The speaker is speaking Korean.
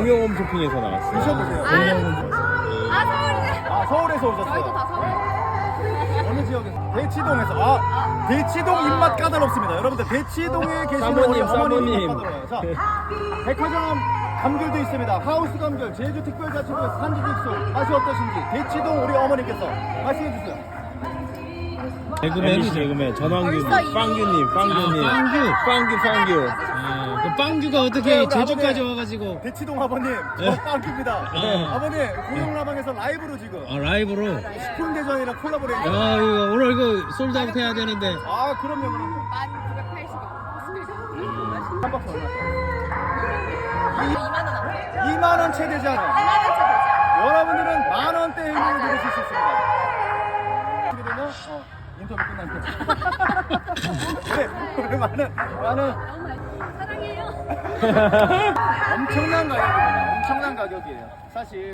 공영홈 쇼핑에서 나왔어요. 드셔보세요. 서울에서 오셨어요. 저희도 다 서울. 어느 지역에서? 대치동에서. 대치동 입맛 까다롭습니다. 여러분들 대치동에 계시는 우리 사모님, 어머님 사모님. 입맛 까다로워요. 자, 백화점 감귤도 있습니다. 하우스 감귤, 제주특별자치구에서 산지직수 맛이 어떠신지 대치동 우리 어머니께서 말씀해 주세요. 개그맨 전환규님, 빵규님. 그 빵규가 어떻게 제주까지 와가지고 대치동 아버님, 저 빵규입니다. 아버님, 공영라방에서 라이브로 지금 라이브로. 식품대전이랑 콜라보레이션. 이거 오늘 이거 솔드아웃 해야 되는데. 그럼요. 1980원. 한 박스 얼마? 2만 원 안 돼. 2만 원 채 되지 않아요. 2만 원 채 여러분들은 만 원대 의미를 누리실 수 있습니다. 어떻게 되냐? 인터뷰 끝난 거. 왜 많은 사랑해요. 엄청난 가격입니다. 엄청난 가격이에요. 사실.